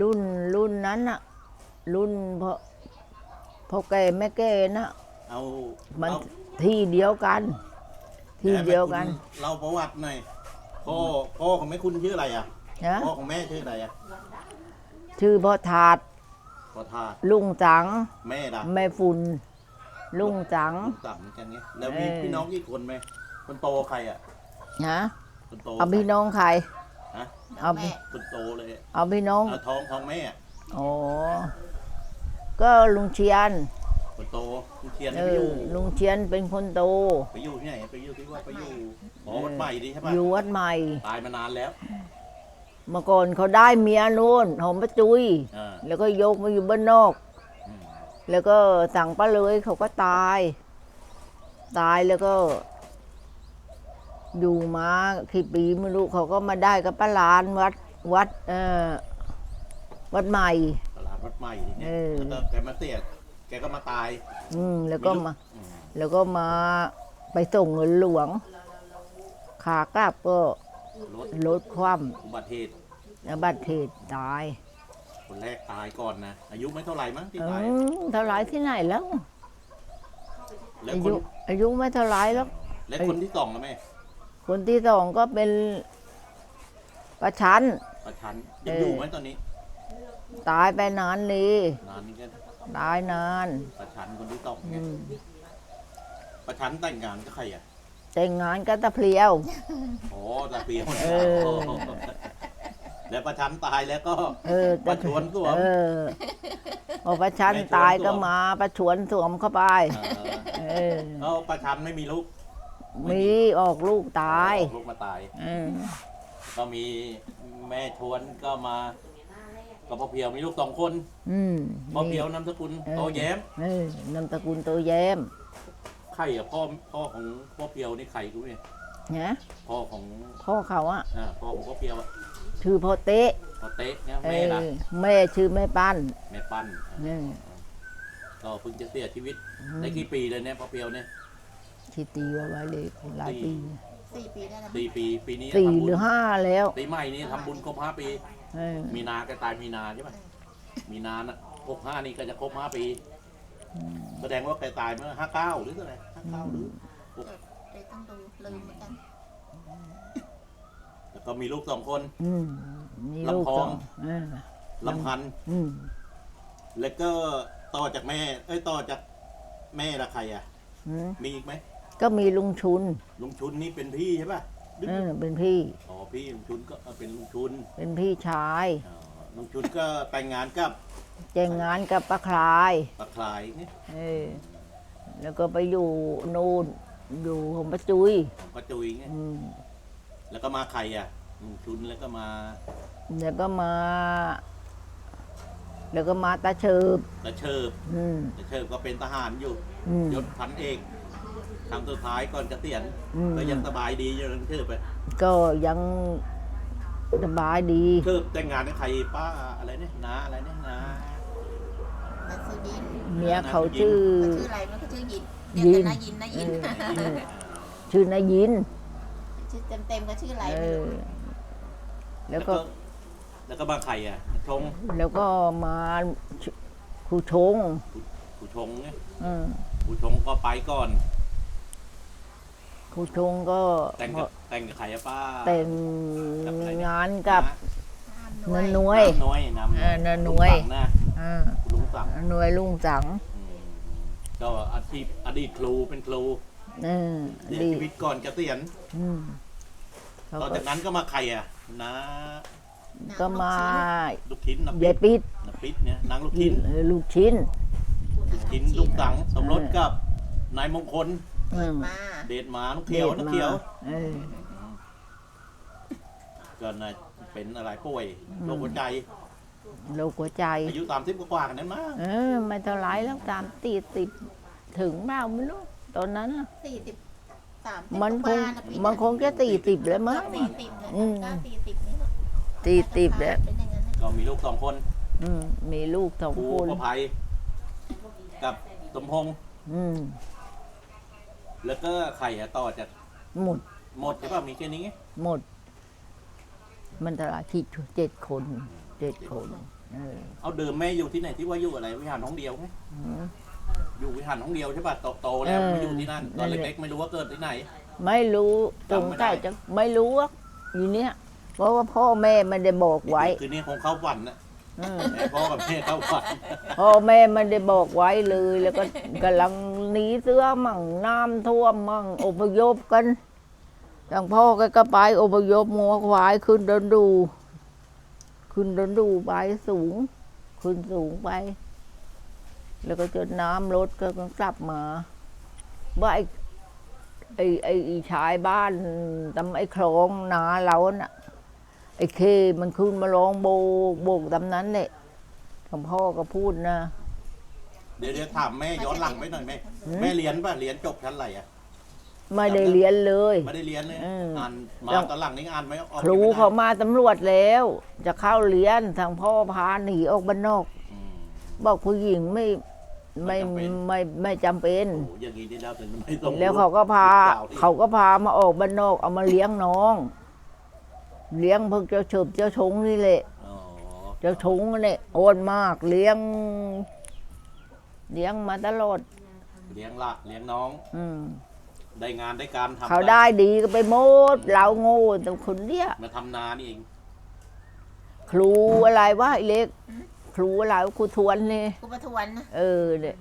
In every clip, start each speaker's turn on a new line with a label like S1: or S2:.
S1: รุ่นนั้นอะรุ่นพ่อแก่แม่แก่นะ
S2: เอา
S1: มัน
S2: เอา
S1: ที่เดียวกัน ที่เดียวกัน
S2: เราประวัติหน่อยพ่อของแม่คุณชื่ออะไรอ่ะ
S1: นะ
S2: พ่อของแม่ชื่ออะไรอ่ะ
S1: ชื่อพ่อถาด
S2: พ่อทาส
S1: ลุงจัง
S2: แม่ล่ะ
S1: แม่ฝุ่นลุงจัง
S2: ลุงต่ำเหมือนกันเนี้ยแล้วมีพี่น้องกี่คนไหมคนโตใครอ่ะ
S1: นะ
S2: คนโต
S1: เอาพี่น้องใคร
S2: ฮะ
S1: เอา
S3: แม่
S2: คนโตเลยอะ
S1: เอาพี่น้อง
S2: เอาท้องแม่อะ
S1: อ๋อก็ลุงเชียน
S2: คนโตคุณเทียน
S1: เอ
S2: ไปอยู่
S1: อลุงเชียนเป็นคนโต
S2: ไปอยู่ที่ไหนไปอยู่ที่ว่าไปอยู่หอวัดใหม่ดีใช่ปะ
S1: อยู่วัดใหม่
S2: ตายมานานแล้ว
S1: เมื่อก่อนเขาได้เมียนู่นหอมประจุย
S2: อ่า
S1: แล้วก็ยกมาอยู่บ้านนอก
S2: อืม
S1: แล้วก็สั่งป้าเลยเขาก็ตาย ตายแล้วก็ อยู่มากี่ปีไม่รู้เขาก็มาได้กับป้าลานวัดวัดใหม่
S2: ตลาดวัดใหม่ดีเนี่ย
S1: เออ
S2: แล้วก็แกมาเสียแกก็มาตาย
S1: แล้วก็มา
S2: อืม
S1: แล้วก็มาไปส่งเงินหลวง ขากลับก็
S2: รถ
S1: ลดความ
S2: อุบัติเหตุ
S1: แล้วบัตรเหตุตาย
S2: คนแรกตายก่อนนะอายุไม่เท่าไหร่มั้งที่
S1: เอ
S2: ตาย
S1: อเท่าไรที่ไหนแล้ว
S2: แล้ว
S1: อา
S2: ค
S1: ยุ
S2: น
S1: อายุไม่เท่าไรแล้ว
S2: และคนที่สองนะแม่
S1: คนที่สองก็เป็นประชัน
S2: ประชันยังอยู่ไหมตอนนี้
S1: ตายไปนานเลย
S2: นานนี้ก็
S1: ตายนาน
S2: ประชันคนที่สอง
S1: อื
S2: ไง
S1: ม
S2: ประชันแต่งงานกับใครอ่ะ
S1: แต่งงานกับตะเพลียว
S2: อ๋อตาเปียว
S1: เออ
S2: แล้วประชันตายแล้วก็
S1: ตะ
S2: ประชวนสวม
S1: พอประชันตายก็มาประชวนสวมเข้าไป เออ
S2: แล้วประชันไม่มีลูก
S1: มีออกลูกตาย
S2: ลูกมาตาย
S1: เออ
S2: ก็มีแม่ชวนก็มากับพ่อเพียวมีลูก2 คน
S1: อืม
S2: พ่อเพียวนามสกุลโตแย้ม
S1: นามสกุลโตแย้ม
S2: ใครอ่ะพ่อของพ่อเพียวนี่ใครกูเนี่ย
S1: นะ
S2: พ่อของ
S1: พ่อเขาอะ
S2: พ่อของพ่อเพียวอะ
S1: ชื่อพ่อเต๊ะ
S2: พ่อเต๊ะเนี่ย
S1: เอ
S2: แม่ละ
S1: อแม่ชื่อแม่ปั้น
S2: แม่ปั้น
S1: เนี่ย
S2: ก็เพิ่งจะเสียชีวิตได้กี่ปีเลยเนี่ยพ่อเพียวเนี่ย
S1: ที่ตีไว้เลยหลายปี
S3: 4 ปีได้แล้ว
S2: ปีนี้
S1: สี่
S2: ทำบุญ
S1: หรือห้าแล้ว
S2: ปีใหม่นี้ทำบุญครบ5 ปี
S1: เออ
S2: มีนาก็ตายมีนาใช่ไหมมีนาน่ะ65นี่ก็จะครบ5 ปี แสดงว่าแกตายเมื่อ59หรือเท่าไหร่59หรือ
S3: เลยต้องดูลืมเหมือนกัน
S2: แล้วก็มีลูก2 คน
S1: อืมมีลูก
S2: ลำพ
S1: ส
S2: อ
S1: อง งเออ
S2: ลำพันธ์
S1: อืม
S2: แล้วก็ต่อจากแม่ต่อจากแม่ละใครอ่ะ
S1: อืม
S2: มีอีกไหม
S1: ก็มีลุงชุน
S2: ลุงชุนนี่เป็นพี่ใช่ป่ะ
S1: เป็นพี่
S2: อ๋อพี่ลุงชุนก็เป็นลุงชุน
S1: เป็นพี่ชาย
S2: อ๋อลุงชุนก็แต่งงานกับ
S1: แต่งงานกับป้าคลาย
S2: ปลาคลายนี่
S1: เออแล้วก็ไปอยู่นู่นอยู่ของป้าจุย
S2: ของป้าจุยไง
S1: อืม
S2: แล้วก็มาใครอ่ะลุงชุนแล้วก็มา
S1: แล้วก็มา แล้วก็มาตาเชิบ
S2: ตะเชิบ
S1: อืม
S2: ตะเชิบก็เป็นทหารอยู่
S1: อืม
S2: ยศพันเอกครั้งสุดท้ายก่อนเกษียณ
S1: อืม
S2: ก็ยังสบายดีอยู่ตะเชิบไป
S1: ก็ยังสบายดี
S2: เชิบแต่งงานกับใครป้าอะไรเนี่ยนาอะไรเนี่ยนา
S3: นันสุยิน
S1: เมียเขาชื่อ
S3: เขาชื่ออะไรมันก็ชื่อยินเรียกแต่นายินนายิน
S1: เออ ชื่อนายยิน
S3: ชื่อเต็มๆก็ชื่ออะไร
S1: เอ
S3: ไม่
S1: อ
S3: รู้
S1: แล้วก็
S2: แล้วก็มาใครอ่ะชง
S1: แล้วก็มาครูชง
S2: ผู้ชงเนี่ย
S1: อืม
S2: ผู้ชงก็ไปก่อน
S1: ครูชงก็
S2: แต่งกับใครอะป้า
S1: แต่งงานกับ
S3: ห้าม
S1: นัน
S3: ด้
S1: น
S3: วย
S1: วย
S2: น้อยนำ
S1: นันนวย
S2: ลุงสั่งนะ
S1: อ่า
S2: ลุงสั่ง
S1: หน่วยลุงจัง
S2: ก็อดีตครูเป็นครู
S1: เออ
S2: เสีย
S1: ดี
S2: ชีวิตก่อนเกษียณ
S1: อืมเขา
S2: ต่อ
S1: ก็
S2: จากนั้นก็มาใครอ่ะนะ
S1: ก็มา
S2: ลูกชิ้นน้ำ
S1: ยายปิด
S2: น้ำปิดเนี่ยนางลูกชิ้น
S1: ลูกชิ้น
S2: ลูกชิ้นลูกสั่งสมรสกับนายมงคล
S1: อืม
S3: มา
S2: เดชหมาน้องเขียวน้องเขียว
S1: เออ
S2: ก็น่ะเป็นอะไรป่วยโรคหัวใจ
S1: โรคหัวใจ
S2: อายุ30กว่าๆกันนั้นมั้ง
S1: เออไม่เท่าไรแล้วติดถึงเปล่าไม่รู้ตอนนั้นน่ะ
S3: 40
S1: มันคงจะ40แล้วมั้ง
S3: 40เลย
S1: อืม
S3: ก็40นี่แหละ
S1: 40แล้ว
S3: เป็นอย่างนั้นนะ
S2: ก็มีลูก2 คน
S1: อืมมีลูกสอง
S2: ครู
S1: คน
S2: ประภัยกับสมพงษ์
S1: อืม
S2: แล้วก็ใครอะต่อจาก
S1: หมด
S2: หมดใช่ป่ะมีแค่นี้ไง
S1: หมด มันตลาดที่7 คนเออ
S2: เอาเดิมแม่อยู่ที่ไหนที่ว่าอยู่อะไรวิหารห้องเดียวไหม
S1: อืม
S2: อยู่วิหารห้องเดียวใช่ป่ะโตๆแล้ว
S1: เออ
S2: ไม่อยู่ที่นั่นตอน
S1: นั่นแหละ
S2: เล็กๆไม่รู้ว่าเกิดที่ไหน
S1: ไม่รู้ส
S2: จำ
S1: ง
S2: ไม่ได้
S1: สัยจะไม่รู้ว่าอยู่เนี้ยเพราะว่าพ่อแม่ไม่ได้บอกไว้
S2: คืนนี้คงเข้าฝันนะ
S1: อืม
S2: แม่พ่อกับแม่เข้าฝัน
S1: พ่อแม่ไม่ได้บอกไว้เลย แล้วก็กำลังหนีเสื้อมั่งน้ำท่วมมั่งอพยพกันทางพ่อก็ไปอพยพงัวควายขึ้นเดินดู ขึ้นเดินดูไปสูง ขึ้นสูงไป แล้วก็จนน้ำลดก็กลับมาว่าไอ้ชายบ้านตำไอ้คลองนาเราน่ะ ไอ้เคมันขึ้นมาร้องโบกตำนั้นเนี่ยทางพ่อก็พูดนะ
S2: เดี๋ยวถามแม่ย้อนหลังไปหน่อยแม่แม่เรียนป่ะเรียนจบชั้นอะไรอ่ะ
S1: ไม่ได้เรียนเลย
S2: ไม่ได้เรียนเลย
S1: อืม
S2: อ่านมาตอนหลังนี่อ่านไม่ออก
S1: ครู
S2: ไม่ได้
S1: เขามาตำรวจแล้ว จะเข้าเรียนทางพ่อพาหนีออกบ้านนอก
S2: อืม
S1: บอกผู้หญิงไม่ไม่จำเป็น
S2: โอ้อย่างนี้ได้แล้วถึงไม่ต้อง
S1: แล้วเขาก็พา
S2: ลูกสวที่
S1: เขาก็พามาออกบ้านนอกเอามาเลี้ยงน้อง เลี้ยงพวกเจ้าเฉิบเจ้าชงนี่แหละ
S2: อ๋อ
S1: เจ้าชงเนี่ยโอนมากเลี้ยงมาตลอด
S2: เลี้ยงละเลี้ยงน้อง
S1: อืม
S2: ได้งานได้การทำ
S1: เขาได้ดีก็ไปหมดเราโง่แต่คนเนี้ย
S2: มาทำนานี่เอง
S1: ครูอะไรวะไอ้เล็ก ครูอะไรวะครูทวนนี่
S3: ครูประทวนนะ
S1: เออเนี่ย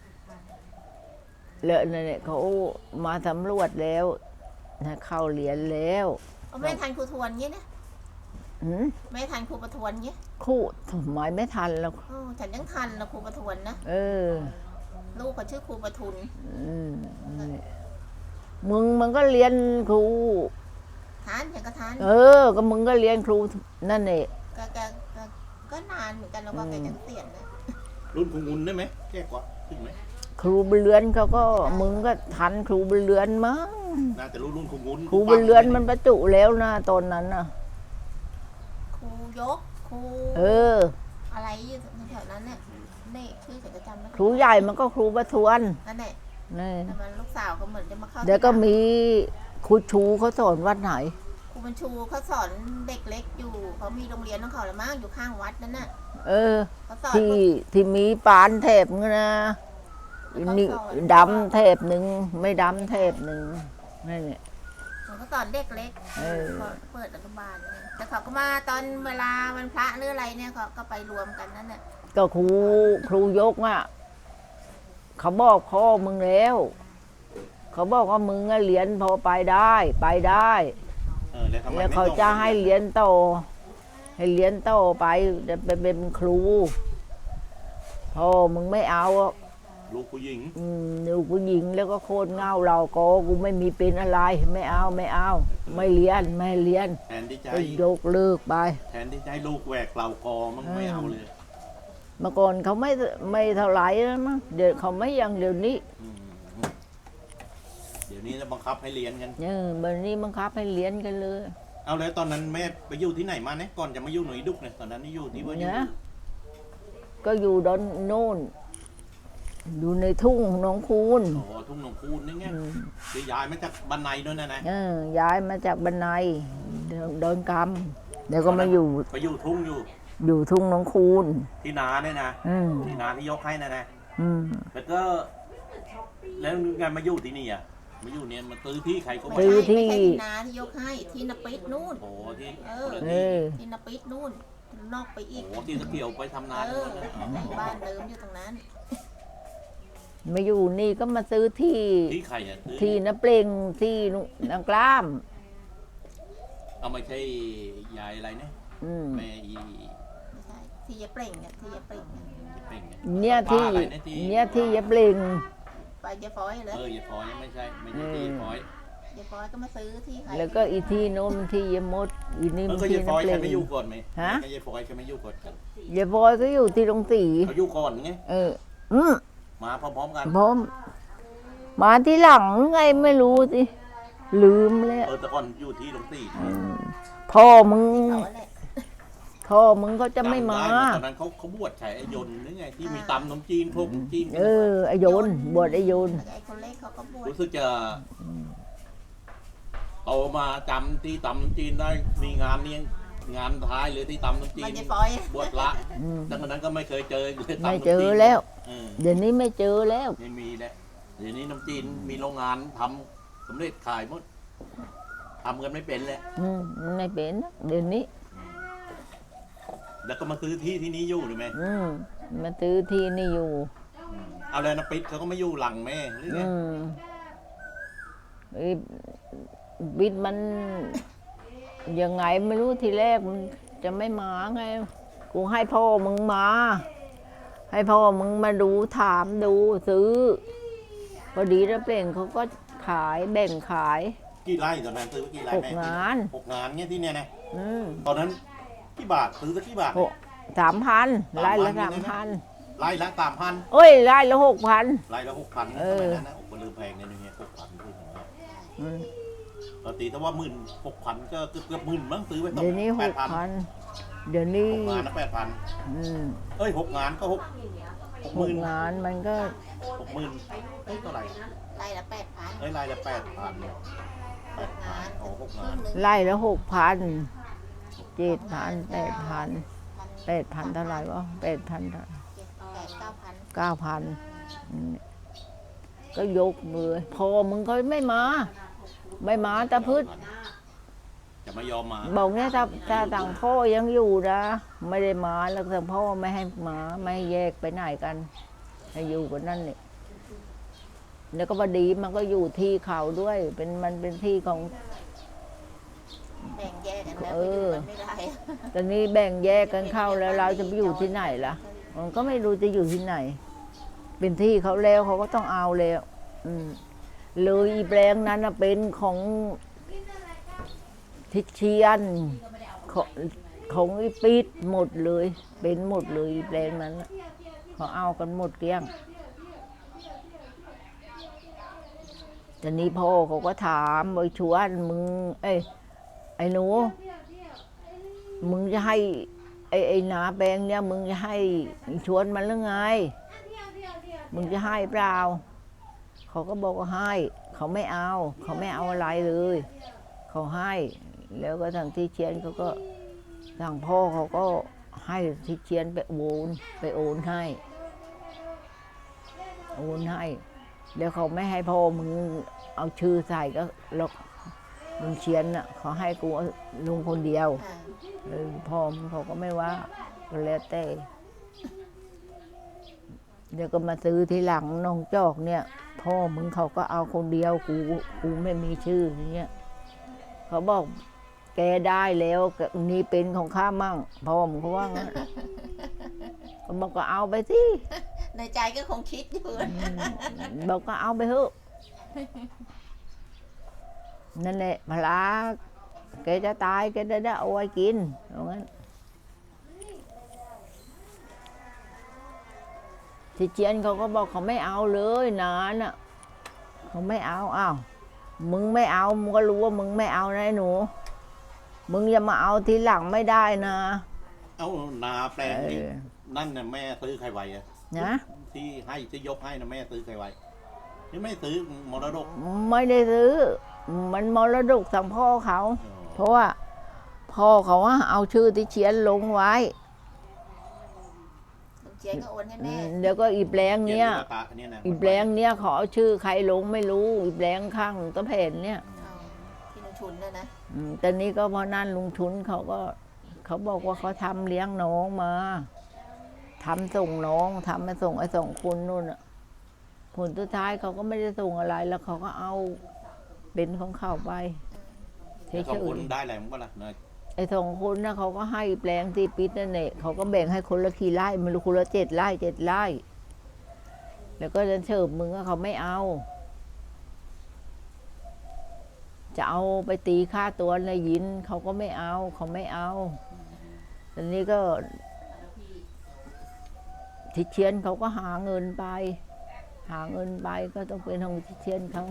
S1: แล้วเนี่ยเขามาสำรวจแล้วนะเข้าเรียนแล้ว
S3: เอาแม่ทันครูทวนเงี้ยนะ
S1: หืม
S3: แม่ทันครูประทวนเงี้ย
S1: ครูทำไมไม่ทันแล้ว
S3: โอ้ฉันยังทันนะครูประทวนนะ
S1: เออ
S3: ลูกเขาชื่อครูประทุน
S1: อืมนี่มึงมันก็เรียนครู
S3: ทานฉันก็ทาน
S1: เออ ก็มึงก็เรียนครูนั่นเอง
S3: ก็นานเหมือนกันแล้วว่าแกจะเสียนนะ
S2: รุ่นคงงุนได้ไหมแก่กว่าถึงไหม
S1: ครูบุญเรือนเขาก็มึงก็ทันครูบุญเรือนมั้ง
S2: น่าจะรุ่นคงงุน
S1: ครูบุญเรือนมันประจุแล้วนะตอนนั้นน่ะ
S3: ครูยกครู
S1: เออ
S3: อะไรอยู่แถวนั้นเนี่ยนี่ชื่อฉันก็จำไม่ได้
S1: ครูใหญ่มันก็ครูประทวน
S3: นั่นแหละ
S1: นี่
S3: แต่มันลูกสาวก็เหมือนจะมาเข้า
S1: เดี๋ยวก็มีครูชูเขาสอนวัดไหน
S3: ครูบรรชูเขาสอนเด็กเล็กอยู่เขามีโรงเรียนของเขาละมั้งอยู่ข้างวัดนั่นน่ะ
S1: เออ
S3: เขาสอน
S1: ที่มีปานเทปนึงนะนี่ดำเทปหนึ่งไม่ดำเทปหนึ่งนี่เนี่ย
S3: เขาสอนเด็กเล็ก
S1: เออ
S3: เขาเปิดอนุบาลเนี่ยแต่เขาก็มาตอนเวลาวันพระหรืออะไรเนี่ยเขาก็ไปรวมกันนั่นแหละ
S1: ก็ครูยกอ่ะเขาบอกพ่อมึงแล้ว เขาบอกว่ามึงอะเรียนพอไปได้ไปได้
S2: แล้วทำไม
S1: แล้ว
S2: ไม่
S1: เขา
S2: ส่ง
S1: จะให้เรียนโตให้เรียนโตไปจะไปเป็นครูพ่อมึงไม่เอาอะ
S2: ลูกผู้หญิง
S1: หนูผู้หญิงแล้วก็โคตรเงาเราก็กูไม่มีเป็นอะไรไม่เอาไม่เรียนไม่เรียน
S2: แทนที่จะ
S1: ก็
S2: ให้
S1: ยกเลิกไป
S2: แทนที่จะให้ลูกแหวกเหล่ากอมันไม่เอาเลย
S1: เมื่อก่อนเขาไม่เท่าไหร่แล้วมั้งเดี๋ยวเขาไม่อยังเดี๋ยวนี้
S2: อืมเดี๋ยวนี้จะบังคับให้เรียนกัน
S1: วันนี้บังคับให้เรียนกันเลย
S2: เอาแล้วตอนนั้นแม่ไปอยู่ที่ไหนมาเนี่ยก่อนจะมาอยู่หน่วยดุกเนี่ยตอนนั้นนี่อยู่ที่ว่าอยู่
S1: นะก็อยู่ดอนโน่นอยู่ในทุ่งหนองคูน
S2: โอ้โหทุ่งหนองคูนนี่ไงคือย้ายมาจากบ้านในด้วยนะ
S1: ย้ายมาจากบันไดเดินกำเดี๋ยวก็มาอยู่
S2: ไปอยู่ทุ่งอยู่
S1: ทุ่งหนองคูน
S2: ที่นาเนี่ยนะ
S1: อืม
S2: ที่นาที่ยกให้นะ
S1: อืม
S2: แล้วก็แล้วงานมาอยู่ที่นี่อ่ะมาอยู่เนี่ยมาซื้อที่ใครก็
S3: ไม่
S2: ไม่
S3: ใช่
S1: ซื้อที่
S3: ไม่ใช่ที่นาที่ยกให้ที่นปิดนู่น
S2: โอ้โหที่
S3: เออ
S2: คนละ
S1: เอ
S2: ที่
S1: อ
S3: ที่นปิดนู่นนอกไปอีก
S2: โอ้โหที่ตะเกียวไปทำนา
S3: เอ
S2: ทั้ง
S3: อ
S2: นั้นเลย
S3: บ้านเดิมอยู่ตรงนั้น
S1: มาอยู่นี่ก็มาซื้อที่
S2: ที่ใครอ่ะซื้อ
S1: ที่น้ำเปล่งที่นางกล้าม
S2: เอาไม่ใช่ยายอะไรเนี่ย
S1: อืม
S2: แม่อี
S3: ไม่ใช่ที่ยะเปล่งเนี่ยที่ยะเปล่งเนี่ย
S2: เป่งเนี่ย
S1: เนี่ยที่
S2: ป้าอะไรเนี่ยที่
S1: เนี่ยที่ยะเปล่ง
S3: ไปยะฟอยเลย
S2: อย่าพอยไม่ใช่ไม่ใช่ที่ยาพอย
S3: ยะฟอยก็มาซื้อที่ใคร
S1: แล้วก็อีที่โน้นที่ยะมดอีนี่
S2: มั
S1: มัน น
S2: ก็
S1: ที่
S2: ยาพอย
S1: น้ำเป
S2: ใคร
S1: ล่ง
S2: ไม่อยู่ก่อนไหม
S1: ฮะ
S2: ยาพอยใครไม่อยู่ก่อนกัน
S1: ยะบอยก็อยู่ที่ตรงสี
S2: เขาอยู่ก่อนไง
S1: เออ
S2: มาพร้อมๆกัน
S1: ผมมาที่หลังไงไม่รู้สิลืมแล้ว
S2: แต่ก่อนอยู่ที่หลวงตี
S1: พ่อมึง
S3: เขาแหละ
S1: พ่อมึงก็จะไม่มา
S2: จำด้ตอนนั้นเขาบวชใช้ไอ้ยนต์หรือไงที่มีตำขนมจีนพวกขนมจีน
S1: เออไอโยนบวชไอโยน
S3: แล้วไอ้คนเล็กเขาก็บวช
S2: รู้สึกจะโตมาจำที่ตำขนมจีนได้มีงานเลี้ยงงานท้ายเลยที่ตำน้ำจี
S3: มัน
S2: น
S3: จะฟอย
S2: บวชละ
S1: อืม
S2: ดังนั้นก็ไม่เคยเจอเลยตำ
S1: ไม่
S2: น้ำจีน
S1: เจอแล้ว
S2: เออ
S1: เดี๋ยวนี้ไม่เจอแล้ว
S2: ไม่มีแล้วเดี๋ยวนี้น้ำจีนมีโรงงานทำสำเร็จขายหมดทำกันไม่เป็นแล้ว
S1: ไม่เป็นนะเดี๋ยวนี้
S2: แล้วก็มาซื้อที่ที่นี้อยู่หรือไง
S1: มาซื้อที่นี่อยู่
S2: เอาแล้วนะปิดเขาก็ไม่อยู่หลังแม่หรือไง
S1: ไอ้บิดมันยังไงไม่รู้ทีแรกมันจะไม่มาไง กูให้พ่อมึงมา ให้พ่อมึงมาดูถามดูซื้อ พอดีแล้วเปล่งเขาก็ขายแบ่งขาย
S2: กี่ไร่ตอนนั้นซื้อกี่ไร่แม่
S1: 6 งาน
S2: 6 งานเงี้ยที่เนี่ยนะ
S1: อืม
S2: ตอนนั้นกี่บาทซื้อสักกี่บาท
S1: 3,000ไร่ละ 3,000
S2: ไร่ละ3,000
S1: เอ้ยไร่ละ6,000
S2: ไร่ละ6,000
S1: เอ
S2: ส
S1: อ
S2: มัยนั้นนะผมก็ลืมแพงในนี้6,000คืออย่างเงี้ย
S1: อืม
S2: ปกติถ้าว่า16,000ก็เกือบหมื่นมั้งซื้อไว้ต้อง
S1: เดี๋ยวนี้
S2: 8,000
S1: 6,000เดี๋ยวนี้
S2: 6 งานนะ8,000
S1: อืม
S2: เอ้ย6 งานก็6
S1: หก
S2: 60,000
S1: งานมันก็
S2: 60,000เอ้ยเท่าไหร่
S3: ไร่ละ8,000
S2: เอ้ยไร่ละ8,000 8,000
S3: งาน
S2: โอ้6 งาน
S1: ไร่ละ6,000 7,000 8,000เท่าไหร่วะ8,000 9,000ก็ยกมือพอมึงก็ไม่มาตาพืช
S2: จะไม่ยอมมา
S1: บอกเนี่ยถ้าต่างพ่อยังอยู่นะไม่ได้มาแล้วต่างพ่อไม่ให้มาไม่ให้แยกไปไหนกันให้อยู่กันนั่นนี่แล้วก็พอดีมันก็อยู่ที่เขาด้วยมันเป็นที่ของ
S3: แบ่งแยกกันแล้ว
S1: เอ
S3: ไป
S1: อ
S3: อยู่กันไม่ได้
S1: ตอนนี้แบ่งแยกกันเข้าแล้วเราจะไปอยู่ที่ไหนล่ะมันก็ไม่รู้จะอยู่ที่ไหน เป็นที่เขาแล้วเขาก็ต้องเอาแล้วเลยอีแปลงนั้นน่ะเป็นของทิเชียนของอีปิดหมดเลย เป็นหมดเลยอีแปลงนั้นน่ะเขาเอากันหมดเกลี้ยงตอนนี้พ่อเขาก็ถามไอ้ชวนมึงไอ้หนูมึงจะให้ไอ้นาแปลงเนี่ยมึงจะให้ชวนมันหรือไงมึงจะให้เปล่าเขาก็บอกว่าให้เขาไม่เอาอะไรเลยเขาให้แล้วก็ทางที่เชียนเขาก็ทางพ่อเขาก็ให้ที่เชียนไปโอนให้แล้วเขาไม่ให้พ่อมึงเอาชื่อใส่ก็แล้วมึงเชียนน่ะเขาให้กูลุงคนเดียว พ่อมึงเขาก็ไม่ว่าก็แล้วแต่เดี๋ยวก็มาซื้อทีหลังน้องจอกเนี่ยพ่อมึงเขาก็เอาคนเดียวกูไม่มีชื่ออย่างเงี้ยเขาบอกแกได้แล้วนี่เป็นของข้ามั่งพ่อมึงเขาว่างั้นก็บอกก็เอาไปสิ
S3: ในใจก็คงคิดอยู่
S1: บอกก็เอาไปเถอะนั่นแหละพลาแกจะตายแกได้เอาไว้กินเอางั้นที่เจียนเขาก็บอกเขาไม่เอาเลยนานอ่ะเขาไม่เอาอ้าวมึงไม่เอามึงก็รู้ว่ามึงไม่เอานะไอ้หนูมึงอย่ามาเอาทีหลังไม่ได้นะ
S2: เอานาแปลงนี่นั่นน่ะแม่ซื้อใครไว้อะ
S1: นะ
S2: ที่ยกให้นะแม่ซื้อใครไว้นี่ไม่ซื้อมรดก
S1: ไม่ได้ซื้อมันมรดกทางพ่อเขา เพราะว่าพ่อเขาเอาชื่อที่เชียนลงไว้
S3: เชียนก็โอนให้แม่
S1: เดี๋ยวก็อีแปลงเนี้ย
S2: นะ
S1: อีแปลงเนี้ยเขาเอาชื่อใครลงไม่รู้อีแปลงข้างตะเพนเนี่ย
S3: ที่ลุงชุนเนี่ยนะ
S1: ตอนนี้ก็พอนั่นลุงชุนเขาบอกว่าเขาทำเลี้ยงน้องมาทำส่งน้องทำมาส่งไอ้2 คนนู่นอ่ะผลสุดท้ายเขาก็ไม่ได้ส่งอะไรแล้วเขาก็เอาเป็นของเขาไปเฉ
S2: สองคน
S1: ย
S2: ได้อะไรมั้งก็ล่ะ
S1: ๆไอ้2 คนนะเขาก็ให้แปลงที่ปิดนั่นแหละเขาก็แบ่งให้คนละกี่ไร่ไม่รู้คนละ7 ไร่ 7 ไร่แล้วก็จะเฉิบมึงก็เขาไม่เอา จะเอาไปตีค่าตัวในยินเขาก็ไม่เอาตอนนี้ก็ทิเชียนเขาก็หาเงินไปก็ต้องเป็นของทิเชียนเขา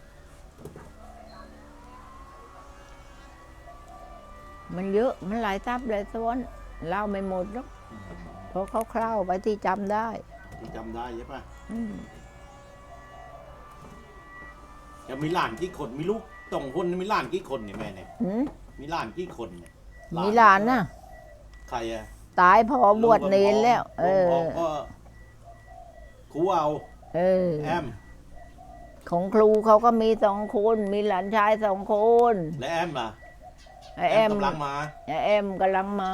S1: มันเยอะมันหลายทรัพย์หลายซ้อนเล่าไม่หมดหรอกเพราะเขาคร่าวๆไปที่จำได้
S2: ที่จำได้ใช่ปะจะมีหลานกี่คนมีลูก2 คนมีหลานกี่คนเนี่ยแม่เนี่ยมีหลานกี่คนเนี่ย
S1: มีหลานน่ะ
S2: ใครอะ
S1: ตายพอบวชเนรแล้ว เอ
S2: ลุง
S1: อ
S2: พองก็ครูเอา
S1: เออ
S2: แอม
S1: ของครูเขาก็มี2 คน มีหลานชาย2 คน
S2: และแอมล่ะ
S1: ไอแอม
S2: กำลังมา
S1: ไอแอมกำลังมา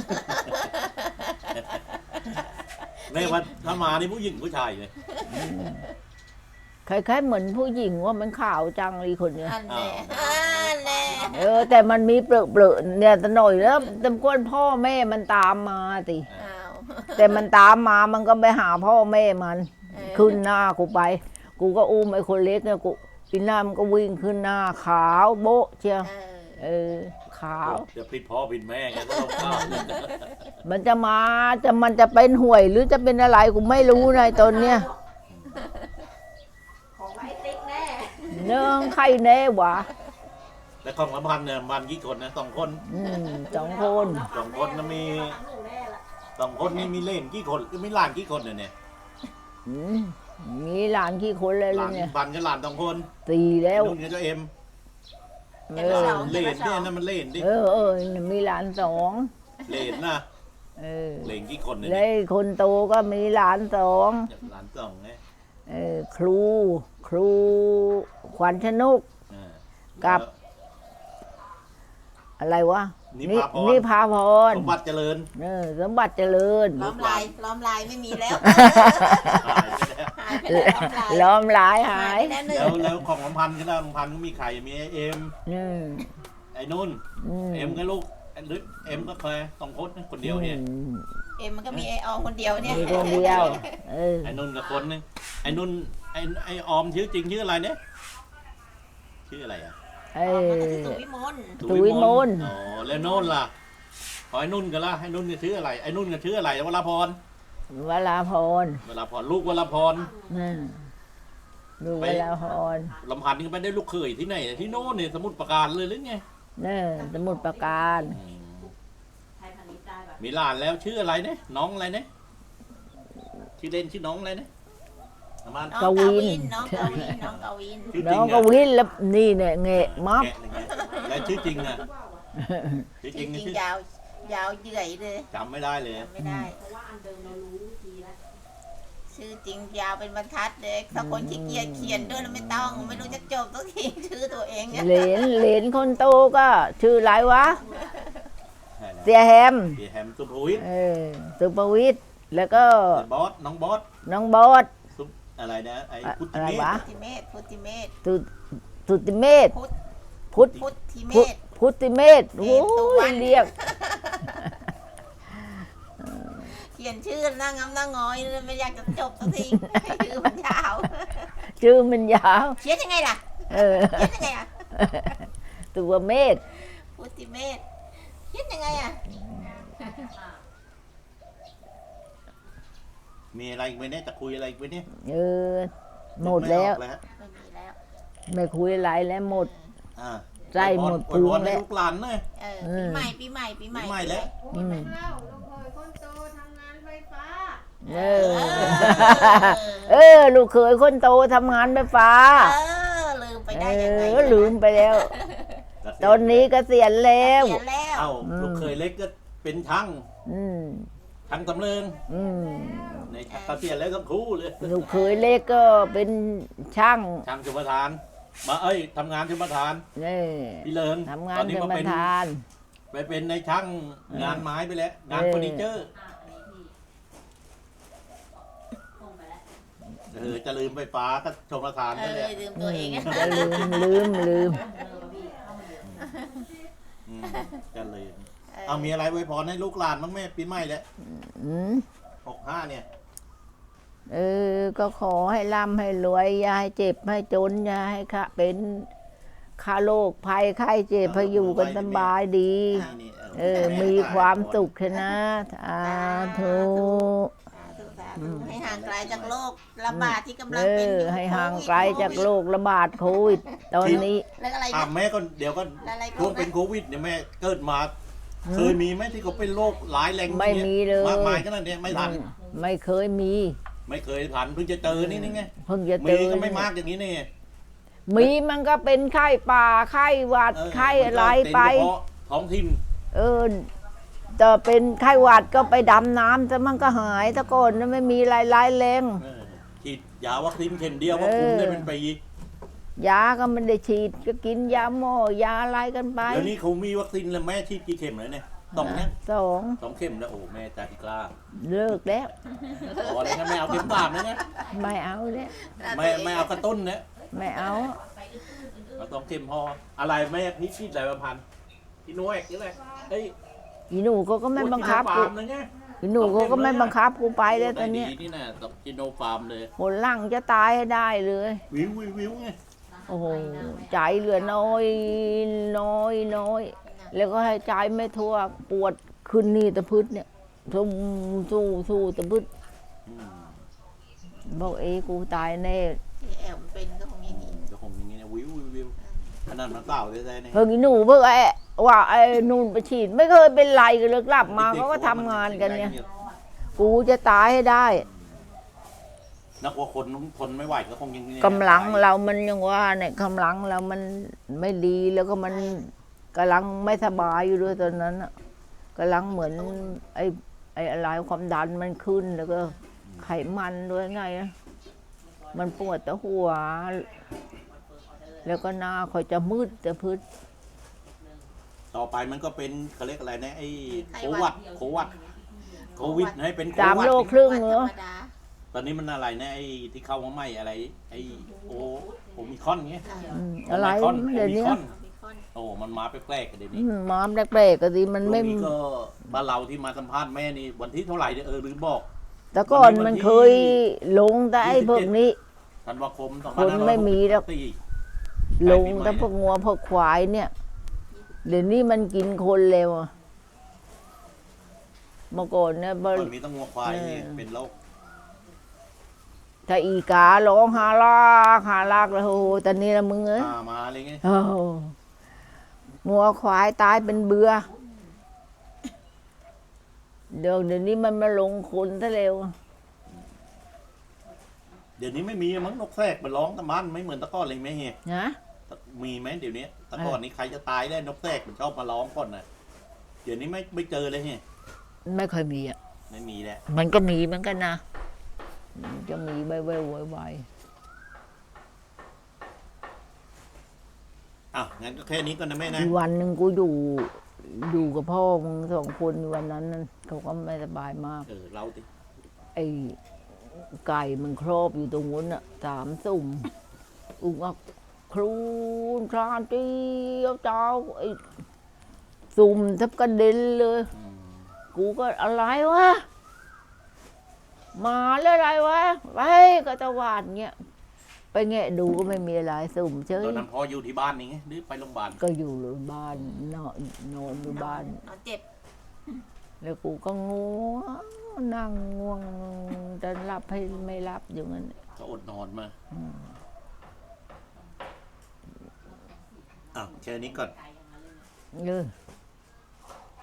S2: แม่ว่าถ้ามานี่ผู้หญิงผู้ชายเลย
S1: คล้ายๆเหมือนผู้หญิงว่ามันขาวจังเลยคนเนี้ย
S3: อันแน่อันแน่
S1: แต่มันมีเปลือกๆเนี่ยแต่หน่อยแล้วตำกวนพ่อแม่มันตามมาติ
S3: อ้าว
S1: แต่มันตามมามันก็ไปหาพ่อแม่มัน
S3: เออ
S1: ขึ้นหน้ากูไป กูก็อุ้มไอ้คนเล็กเนี่ยกูปีหน้ามันก็วิ่งขึ้นหน้าขาวโบ๊ะเชียว
S3: เออ
S1: ขาว
S2: จะผิดพ่อผิดแม่ไงก็ต้องเข้า
S1: มันจะมามันจะเป็นห่วยหรือจะเป็นอะไรกูไม่รู้นะตอนเนี้ย
S3: ของไอ้ติ๊กแน่
S1: เนื่องใครแน่วะ
S2: แล้วของละพันเนี่ยมันกี่คนนะ2 คน
S1: 2 คน
S2: 2 คนนะมี2 คนนี่มีเล่นกี่คนมีหลานกี่คนเนี่ย
S1: อืมมีหลานกี่คนเลย
S2: หลาน
S1: เนี่ย
S2: บันกับหลาน2 คน
S1: 4แล้ว
S2: นุ่นกับเจ้าเอ็ม
S1: เออ
S2: เล่นเนี่ยนั่นมันเล่นดิ
S1: มีหลาน2
S2: เล่นนะ
S1: เออ
S2: เล่นกี่คนเนี่ย
S1: แล้วคนโตก็มีหลาน2
S2: หลาน2ไง
S1: ครูขวัญชนก
S2: อ่า
S1: กับ อะไรวะ
S2: นิพาพร
S1: ร
S2: สมบัติเจริญ
S1: สมบัติเจริญ
S3: ล้อมลายไม่มีแล้ว
S2: หายไปแล้ว
S3: หายไปแล้ว
S1: ล้อมหลายหา
S3: หาย
S1: ย
S3: ไปแล้วหนึ่ง
S2: แล้วของลำพันธ์ก็ได้ลำพันธ์ก็มีใครมีไอ้เอ็ม
S1: อืม
S2: ไอ้นุ่น
S1: อืม
S2: เอ็มก็ลูกไอ้ลึกเอ็มก็เคย2 คนนะคนเดียวเนี่ย
S3: เอ็มมันก็มีไอออมคนเดียวเนี่ย
S1: มีคนเดียวเออ
S2: ไอ้นุ่นกับคนนึงไอ้นุ่นไอ้ออมชื่อจริงชื่ออะไรเนี่ยชื่ออะไรอ่ะ
S1: เอ
S3: ออม
S1: อ
S3: มันก็คือสุวิมล
S1: สุวิมล
S2: อ๋อแล้วโน่นล่ะขอไอ้นุ่นกันละไอ้นุ่นก็ชื่ออะไรไอ้นุ่นก็ชื่ออะไรวราพร
S1: วราพร
S2: วราพรลูกวราพร
S1: ดูวราพร
S2: ลำพันธ์นี่ก็ไม่ได้ลูกเขยที่ไหนที่โน่นเนี่ยสมุทรปราการเลยหรือไง
S1: สมุดประการ
S2: มีหลานแล้วชื่ออะไรเนี่ยน้องอะไรเนี่ยชื่อเล่นชื่อน้องอะไรเนี่ยประมาณ
S3: น้องกวินน้องกวินน้องกวิน
S2: ชื่อจ
S1: น้
S2: ริ
S1: อง
S2: ง
S1: ก็
S2: อะ
S1: วินแล้วนี่เนี่ยเงะมับ
S2: แกะหนึ่งอะแล้วชื่อจริงอะชื่อ
S3: จ
S2: จริง
S3: ริง
S2: ชื่อ
S3: ๆยาวเหยื่อยเลย
S2: จำไม่ได้เลย
S3: จำไม่ได้ชื่อจริงยาวเป็นบรรทัดเลยถ้าคนขี้เกียจเขียนด้วยแล้วไม่ต้องไม่รู้จะจบต้องทีชื่อตัวเองเนี่ย
S1: เหรนคนโตก็ชื่ออะไรวะ เสียแฮม
S2: เสียแฮมสุภวิทย์
S1: สุภวิทย์แล้วก็
S2: บอสน้องบอส
S1: น้องบอส
S2: ซุปอะไรนะไอ้พุทธิ
S1: อะไร
S2: เม
S1: วะ
S2: ธ
S3: พุทธิเมธ
S1: สุติเมธ
S3: พุทธ
S1: พุทธ
S3: พุทธิเมธ
S1: พุทธิเมธโอ้
S3: สุวร
S1: ย
S3: รณ
S1: เรียก
S3: เขียนชื่อหน้างำหน้างอยเลยไม่อยากจะจบสักทีชื่อมันยาว
S1: ชื่อมันยาว
S3: เขียนยังไงล่ะ
S1: เออ
S3: เขียนยังไงอ่ะ
S1: ตัวเมธ
S3: พุทธิเมธเขียนยังไงอ่ะ
S2: มีอะไรอีกไหมเนี่ยจะคุยอะไรอีกไหมเนี่ย
S1: เออหมดแล้ว
S2: ไม่ออก
S3: ไม่มีแล้ว
S1: ไม่คุยอะไรแล้วหมด
S2: อ่า
S1: ใช่หมด
S2: อวยพร
S1: พุงแล้ว
S2: ให้ลูกหลานเลย
S3: ปีใหม่ปีใหม่ปีใหม่
S2: ปีใหม่แล้ว
S1: อืม
S4: คนโตทำงานไฟฟ้า
S1: เออ ลูกเขยคนโตทำงานไฟฟ้า
S3: ลืมไปได้ยังไง
S1: ลืมไปแล้ว ตอนนี้เกษียณแล้ว
S3: เขียนแล้ว
S2: เอ้าลูกเคยเล็กก็เป็นช่าง
S1: อืม
S2: ช่างสำเริง
S1: อืม
S2: ในเกษียณแล้วทั้งคู่เลย
S1: ลูกเขยเล็กก็เป็นช่าง
S2: ช่างชมประทานมาทำงานชมประทาน
S1: นี่
S2: พี่เลิง
S1: ทำงา
S2: ตอน นนี้
S1: เป็น
S2: มา
S1: ป
S2: เป็น
S1: ระธาน
S2: ไปเป็นในช่างงานไม้ไปแล้วงาน
S1: เออ
S2: เฟอร์นิเจอร์จะลืมไฟฟ้าก็ชมประทานไปเลย
S3: ลืมตัวเอง
S1: จะลืม
S2: จะลืมเอามีอะไรไว้พรให้ลูกหลานบ้างแม่ปีใหม่แล้ว
S1: อืม
S2: 65เนี่ย
S1: ก็ขอให้ร่ำให้รวยอย่าให้เจ็บให้จนอย่าให้ค่ะเป็นค่าโรคภัยไข้เจ็บให้อยู่กันสบายดี
S2: นี่
S1: มีความสุขชนะสาธุ
S3: ให้ห่างไกลจากโรคระบาดที่กำลังเป็นอยู่
S1: ให้ห่างไกลจากโรคระบาดโควิดตอนนี้
S3: แล้วอะไร
S2: แม่ก็เดี๋ยวก็
S3: อะไรก็
S2: ช่วงเป็นโควิดเนี่ยแม่เกิดมาเคยมีไหมที่เขาเป็นโรคร้ายแรง
S1: ไม่มีเลย
S2: มากมายขนาดนี้ไม่ทัน
S1: ไม่เคยมี
S2: ไม่เคยทันเพิ่งจะเจอนี่ไง
S1: เพิ่งจะเจ
S2: มี
S1: อ
S2: ก็ไม่มากอย่างนี้นี่
S1: มีมันก็เป็นไข้ป่าไข้หวัดไข้อะไรไป
S2: เป็นเฉพาะท้องถิ่น
S1: แต่เป็นไข้หวัดก็ไปดำน้ำแต่มันก็หายตะก่อนไม่มีอะไรร้ายแรง
S2: ฉีดยาวัคซีนเข็มเดียวก็คุมได้เป็นปี
S1: ยาก็ไม่ได้ฉีดก็กินยาหม้อยาอะไรกันไป
S2: เดี๋ยวนี้เขามีวัคซีนแล้วแม่ฉีดกี่เข็มเลยเนี่ยต้องเนี่ย
S1: สอง
S2: 2 เข็มแล้วโอ้แม่ใจกล้า
S1: เลิกแล้ว
S2: พอเลยนะไม่เอาเข็ม3นะเนี่ย
S1: ไม่เอาแล้ว
S2: ไม่เอากระตุ้นเนี่ย
S1: ไม่เอา
S2: เราต้องเข็มพออะไรแม่พี่ฉีดอะไรประพันธ์พี่นุ้ยหรืออะไรเฮ้ย
S1: อีหนูก็ไม่บังคับ
S2: จิโน
S1: กู
S2: ฟาร์มนะเนี่ย
S1: อีหนูก็ไม่บังคับกูไปแล้วตอนเนี้ย
S2: ดีนี่นะต้องจิโนฟาร์มเลย
S1: หนหลังจะตายให้ได้เลย
S2: วิวไง
S1: โอ้โหใจเหลือน้อยแล้วก็ให้ใจไม่ทั่วปวดขึ้นนี่ตะพืชเนี่ยสู้ตะพืช
S2: อืม
S1: บอกกูตายแน่
S3: ที่แอลมันเป็นก็คงอย่างนี้
S2: ก็คงอย่างนี้นะวิวขนาดมันเปล่าได้ๆเนี่ย
S1: เพิ่งอีหนูเพิ่งว่าไอ้นู่นไปฉีดไม่เคยเป็นไรกันเลยกลับมาเขาก็ทำงานกันเนี่ยกูจะตายให้ได้
S2: นักว่าคนทนไม่ไหวก็คงอย่างนี้
S1: กำลังเรามันยังว่าเนี่ยกำลังเรามันไม่ดีแล้วก็มันกำลังไม่สบายอยู่ด้วยตอนนั้นอะกำลังเหมือนไอ้อะไรความดันมันขึ้นแล้วก็ไขมันด้วยไงนะมันปวดแต่หัว แล้วก็หน้าคอยจะมืดจะพืช
S2: ต่อไปมันก็เป็นเขาเรียกอะไรนะไอ้โควิดให้เป็นโค
S1: 3
S2: วัด
S1: โลครึ่งเหรอ
S3: ธรรมดา
S2: ตอนนี้มันอะไรนะไอ้ที่เข้ามาใหม่อะไรไอ้โอมิครอนเงี้ย
S1: อะไร
S2: โอมิครอน
S1: เดี๋ยวนี้
S2: โอ้มันมาแปลกๆกันเดี๋ยวนี้
S1: มามแปลกๆก็ดีมัน
S2: ช่ว
S1: ไม่
S2: งนี้ก็บ้านเราที่มาสัมภาษณ์แม่นี่วันที่เท่าไหร่เนี่ยลืมบอก
S1: แต่ก่อนมันเคยลงแต่ไอ้พวกนี้
S2: ธันวาคม
S1: คนไม่มีแล้ว
S2: 2564
S1: ลงแต่พวกงัวพวกควายเนี่ย เดี๋ยวนี้มันกินคนเร็วอะเมื่อก่อนเนี่ย
S2: ตอนนี้ต้องงัวควายนี่เป็นโรค
S1: ถ้าอีการ้องหาลากแล้วโอ้โหตอนนี้ละมึงเอ้ย
S2: มาอะไรเงี้ย
S1: โอ้โหงัวควายตายเป็นเบื่อเดี๋ยวนี้มันมาลงคนซะเร็ว
S2: เดี๋ยวนี้ไม่มีมั้งนกแทรกมันร้องตะมันไม่เหมือนตะก้อนเลยไหมเฮีย
S1: นะ
S2: มีไหมเดี๋ยวนี้ตะก้อนนี้ใครจะตายได้นกแทรกมันชอบมาร้องก่อนนะเดี๋ยวนี้ไม่เจอเลยเฮีย
S1: ไม่ค่อยมีอ่ะ
S2: ไม่มีแล้ว
S1: มันก็มีเหมือนกันนะมันจะมีใบไว
S2: อ่ะงั้นก็แค่นี้ก่อนนะแม่นะ
S1: อีกวันหนึ่งกูอยู่กับพ่อมึง2 คนวันนั้นนั่นเขาก็ไม่สบายมาก
S2: เราติ
S1: ไอ้ไก่มันครอบอยู่ตรงนู้นอ่ะ3 สุ่มอุ้งอักครูนคลานเตี้ยวเจ้าไอ้สุ่มทับกระเด็นเลย กูก็อะไรวะมาแล้วอะไรวะไปก็ตะวาดเงี้ยไปแงะดูก็ไม่มีอะไรสุ่มเฉย
S2: ตอนนั้นพ่ออยู่ที่บ้านนี่ไงหรือไปโรงพยาบาล
S1: ก็อยู่โรงพยาบาลนอนอยู่บ้าน
S3: นอนเจ็บ
S1: แล้วกูก็ง่วงนั่งง่วงจะหลับให้ไม่หลับอยู่งั้น
S2: ก็อดนอนมาอ่ะแค่นี้ก่อน
S1: เออ